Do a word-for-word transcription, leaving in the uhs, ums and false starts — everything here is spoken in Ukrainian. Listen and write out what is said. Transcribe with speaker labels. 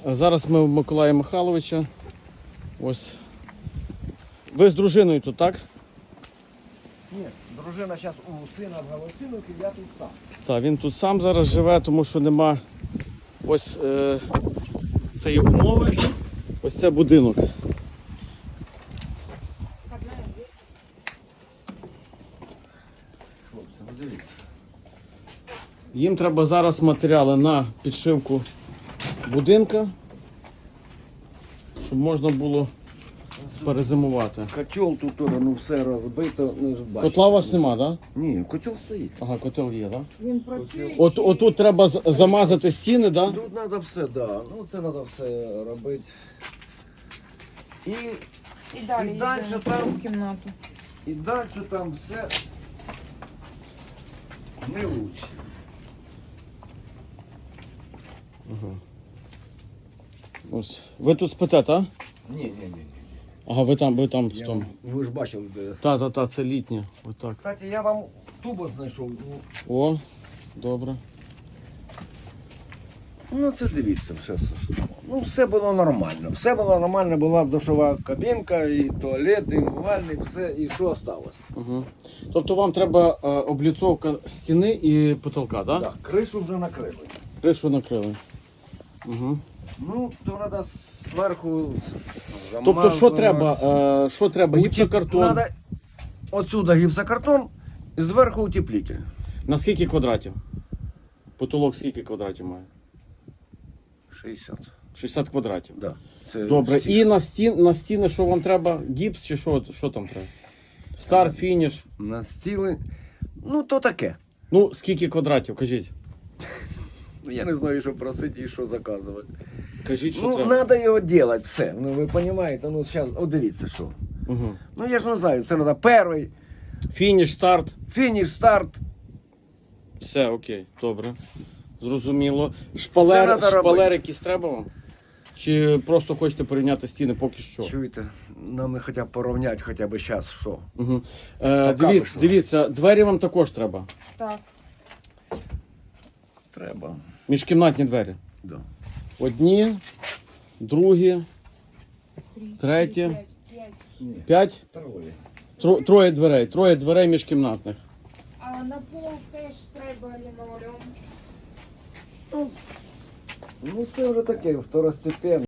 Speaker 1: Зараз ми у Миколая Михайловича. Ось. Ви з дружиною тут, так?
Speaker 2: Ні, дружина зараз у сина в Галицинівці, я тут сам.
Speaker 1: Так, він тут сам зараз живе, тому що нема ось е, цієї умови. Ось це будинок.
Speaker 2: Хлопці, ну дивіться.
Speaker 1: Їм треба зараз матеріали на підшивку будинка, щоб можна було перезимувати.
Speaker 2: Котел тут теж, ну все розбито, ну ж бачите.
Speaker 1: Котла у вас нема, так? Да?
Speaker 2: Ні, котел стоїть.
Speaker 1: Ага, котел є, так? Да?
Speaker 3: Він працює.
Speaker 1: От, отут треба з- замазати стіни, так? Да?
Speaker 2: Тут треба все, да. Ну це треба все робити. І,
Speaker 3: І далі
Speaker 2: І далі
Speaker 3: йдемо
Speaker 2: там-
Speaker 3: в кімнату.
Speaker 2: і далі там все не лучше.
Speaker 1: Ось. Ви тут спите, так?
Speaker 2: Ні, ні, ні, ні.
Speaker 1: Ага, ви там, ви там в
Speaker 2: Я
Speaker 1: тому.
Speaker 2: вам- Ви ж бачили, де.
Speaker 1: Та, та, та, це літнє. Отак.
Speaker 2: Кстати, я вам тубо знайшов. Ну,
Speaker 1: О, добре.
Speaker 2: Ну це дивіться, все, все, все. Ну все було нормально. Все було нормально, була душова кабінка, і туалет, і умивальник, все, і що осталось.
Speaker 1: Угу. Тобто вам треба е, обліцовка стіни і потолка, так? Да?
Speaker 2: Так, кришу вже накрили.
Speaker 1: Кришу накрили. Угу.
Speaker 2: Ну, то треба зверху
Speaker 1: Тобто, що треба? Е, що треба? Гіпсокартон.
Speaker 2: Надо отсюда гіпсокартон і зверху утеплитель.
Speaker 1: На скільки квадратів? Потолок скільки квадратів має?
Speaker 2: шістдесят.
Speaker 1: шістдесят квадратів.
Speaker 2: Да. Це
Speaker 1: Добре.
Speaker 2: всі.
Speaker 1: І на, стін, на стіни що вам треба? Гіпс чи що, що там треба? Старт, фініш.
Speaker 2: На стіли. Ну, то таке.
Speaker 1: Ну, скільки квадратів, кажіть.
Speaker 2: Ну, я не знаю, що просити і що заказувати.
Speaker 1: Кажіть, що
Speaker 2: Ну,
Speaker 1: треба.
Speaker 2: треба його робити, все. Ну, ви розумієте, ну, зараз, от дивіться, що.
Speaker 1: Угу.
Speaker 2: Ну, я ж не знаю, це треба перший,
Speaker 1: Фініш, старт.
Speaker 2: фініш, старт.
Speaker 1: Все, окей, добре. Зрозуміло. Шпалер,
Speaker 2: надо
Speaker 1: шпалер
Speaker 2: робити.
Speaker 1: якісь треба вам? Чи просто хочете порівняти стіни поки що?
Speaker 2: Чуєте, нам хоча б порівняти хоча б зараз, що.
Speaker 1: Угу. Е,
Speaker 2: Пока
Speaker 1: диві,
Speaker 2: пишу.
Speaker 1: дивіться, двері вам також треба.
Speaker 3: Так.
Speaker 2: Треба.
Speaker 1: Міжкімнатні двері.
Speaker 2: Да.
Speaker 1: Одні, другі,
Speaker 3: Три,
Speaker 1: Третє.
Speaker 3: чотири, п'ять, п'ять.
Speaker 1: п'ять,
Speaker 2: Троє.
Speaker 1: тро, троє дверей. Троє дверей міжкімнатних.
Speaker 3: А на пол теж треба лінолеум.
Speaker 2: Ну, це вже таке, второстепенне.